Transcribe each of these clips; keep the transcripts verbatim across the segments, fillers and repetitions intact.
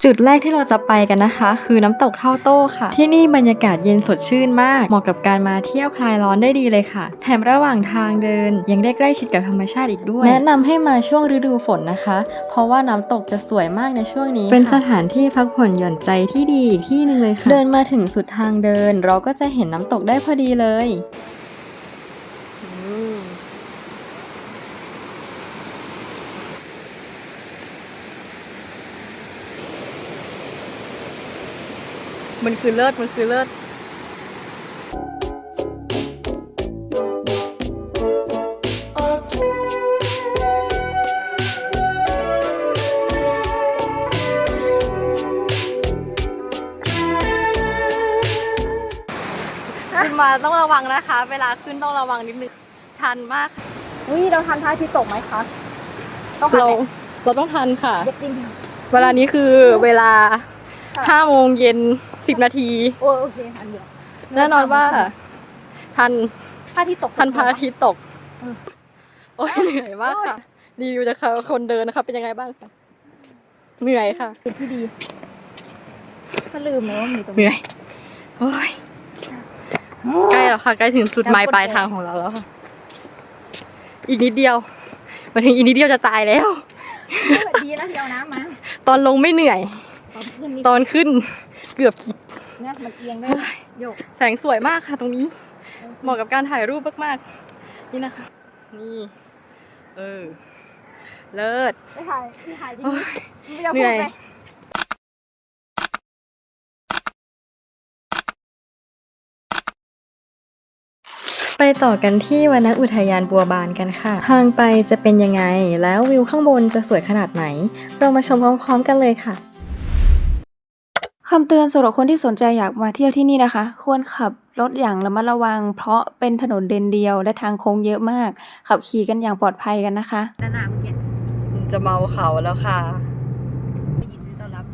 จุดแรกที่เราจะไปกันนะคะคือน้ำตกเท่าโต้ค่ะที่นี่บรรยากาศเย็นสดชื่นมากเหมาะกับการมาเที่ยวคลายร้อนได้ดีเลยค่ะแถมระหว่างทางเดินยังได้ใกล้ชิดกับธรรมชาติอีกด้วยแนะนำให้มาช่วงฤดูฝนนะคะเพราะว่าน้ำตกจะสวยมากในช่วงนี้เป็นสถานที่พักผ่อนหย่อนใจที่ดีอีกที่หนึ่งเลยค่ะเดินมาถึงสุดทางเดินเราก็จะเห็นน้ำตกได้พอดีเลยมันคือเลิศมันคือเลิศขึ้นมาต้องระวังนะคะเวลาขึ้นต้องระวังนิดนึงชันมากอุ้ยเราทันพระอาทิตย์ตกไหมคะต้องเราเราต้องทันค่ะจริงเวลานี้คือเวลาห้าโมงเย็นสิบนาทีโอ้โอเคทันเดียวแน่นอนว่าทันพระอาทิตย์ตกทันพระอาทิตย์ตกโอ้ยเหนื่อยมากค่ะรีวิวจากคนเดินนะคะเป็นยังไงบ้างคะเหนื่อยค่ะจุดที่ดีก็ลืมเลยว่ามีตรงเหนื่อยโอ้ยใกล้แล้วค่ะใกล้ถึงจุดหมายปลายทางของเราแล้วค่ะอีกนิดเดียวมาถึงอีกนิดเดียวจะตายแล้วดีนะที่เอาน้ำมาตอนลงไม่เหนื่อยตอนขึ้นเกือบขีดเนี่ยมันเอียงได้โยกแสงสวยมากค่ะตรงนี้เหมาะกับการถ่ายรูปมากๆนี่นะคะนี่เออเลิศไม่ถ่ายไม่ถ่ายจริงเหนื่อยไปต่อกันที่วรรณอุทยานบัวบานกันค่ะทางไปจะเป็นยังไงแล้ววิวข้างบนจะสวยขนาดไหนเรามาชมพร้อมๆกันเลยค่ะคำเตือนสำหรับคนที่สนใจอยากมาเที่ยวที่นี่นะคะควรขับรถอย่างระมัดระวังเพราะเป็นถนนเลนเดียวและทางโค้งเยอะมากขับขี่กันอย่างปลอดภัยกันนะคะด้านหน้าเมื่อกี้จะเมาเขาแล้วค่ะไม่ยินดีต้อนรับ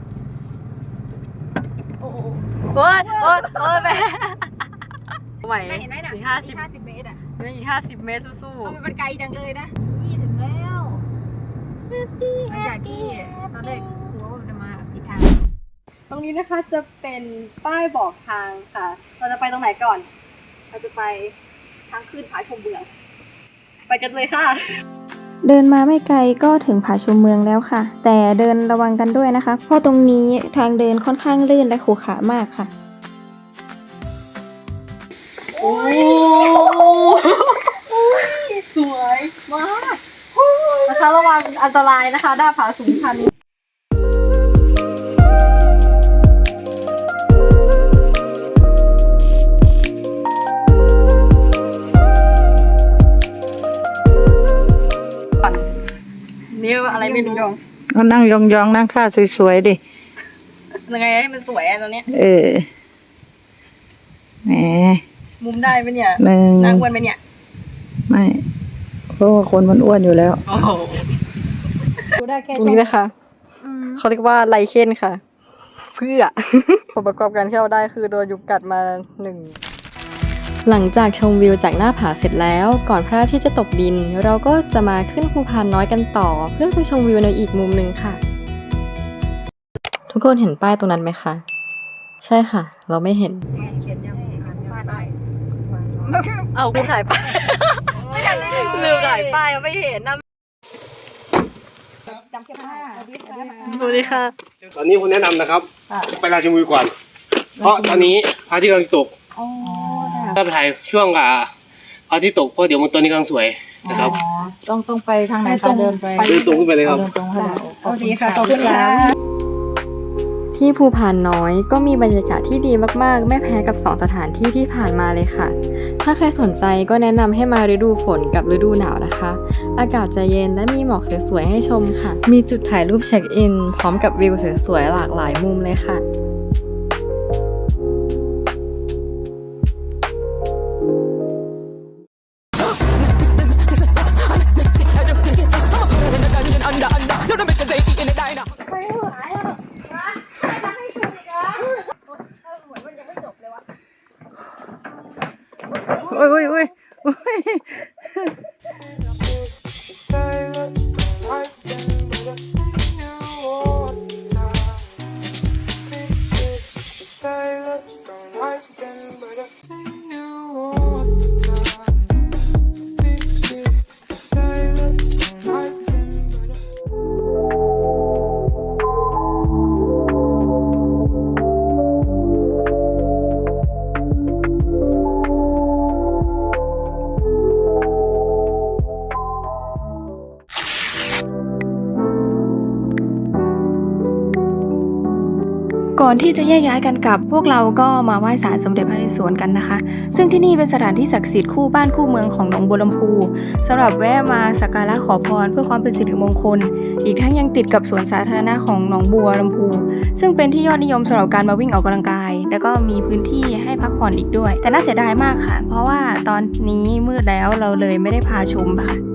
โอ้โหโอ้ยโอ้ยโอ้ยแม่ไหวเห็นไหมน่ะอีกห้าสิบห้าสิบเมตรอ่ะไม่อีกห้าสิบเมตรสู้ๆมันไกลจังเลยนะยี่ถึงแล้วหลังจากที่ตอนแรกกลัวว่าจะมาผิดทางตรงนี้นะคะจะเป็นป้ายบอกทางค่ะเราจะไปตรงไหนก่อนเราจะไปทางขึ้นผาชมเมืองไปกันเลยค่ะเดินมาไม่ไกลก็ถึงผาชมเมืองแล้วค่ะแต่เดินระวังกันด้วยนะคะเพราะตรงนี้ทางเดินค่อนข้างลื่นและขรุขระมากค่ะโอ้สวยมากนะคะระวังอันตรายนะคะด้านผาสูงชันนี่อะไรไม่รู้ก็นั่งยองๆนั่งท่าสวยๆดิยังไงให้มันสวยอ่ะตอนนี้เออแหมมุมได้ไหมเนี่ยนั่งอ้วนไหมเนี่ยไม่เพราะว่าคนมันอ้วนอยู่แล้วโอ้โหตรงนี้นะคะเขาเรียกว่าไลเคนค่ะเพื่อผลประกอบการที่เราได้คือโดนยุงกัดมาหนึ่งหลังจากชมวิวจากหน้าผาเสร็จแล้วก่อนพระอาทิตย์จะตกดินเราก็จะมาขึ้นภูพานน้อยกันต่อเพื่อไปชมวิวในอีกมุมหนึ่งค่ะทุกคนเห็นป้ายตรงนั้นไหมคะใช่ค่ะเราไม่เห็นเอาคุณถ่ายป้ายลืมถ่ายป้ายไม่เห็นนะจำแค่ผ้าสวัสดีค่ะตอนนี้ผมแนะนำนะครับไปลานชมวิวก่อนเพราะตอนนี้พระอาทิตย์กำลังตกถ้าไปถ่ายช่วงอ่าพระอาทิตย์ตกเพราะเดี๋ยวมันตัวนี้กำลังสวยนะครับต้องต้องไปทางไหนคะเดินไปเดินตรงขึ้นไปเลยครับโอเคค่ะขอบคุณค่ะที่ภูพานน้อยก็มีบรรยากาศที่ดีมากๆไม่แพ้กับสองสถานที่ที่ผ่านมาเลยค่ะถ้าใครสนใจก็แนะนำให้มาฤดูฝนกับฤดูหนาวนะคะอากาศจะเย็นและมีหมอกสวยๆให้ชมค่ะมีจุดถ่ายรูปเช็คอินพร้อมกับวิวสวยๆหลากหลายมุมเลยค่ะโอ้ยโอ้ยโอ้ยโอ้ยก่อนที่จะแยกย้ายกันกลับพวกเราก็มาไหว้ศาลสมเด็จพระนเรศวรกันนะคะซึ่งที่นี่เป็นสถานที่ศักดิ์สิทธิ์คู่บ้านคู่เมืองของหนองบัวลำพูสำหรับแวะมาสักการะขอพรเพื่อความเป็นสิริมงคลอีกทั้งยังติดกับสวนสาธารณะของหนองบัวลำพูซึ่งเป็นที่ยอดนิยมสำหรับการมาวิ่งออกกำลังกายแล้วก็มีพื้นที่ให้พักผ่อนอีกด้วยแต่น่าเสียดายมากค่ะเพราะว่าตอนนี้มืดแล้วเราเลยไม่ได้พาชมค่ะ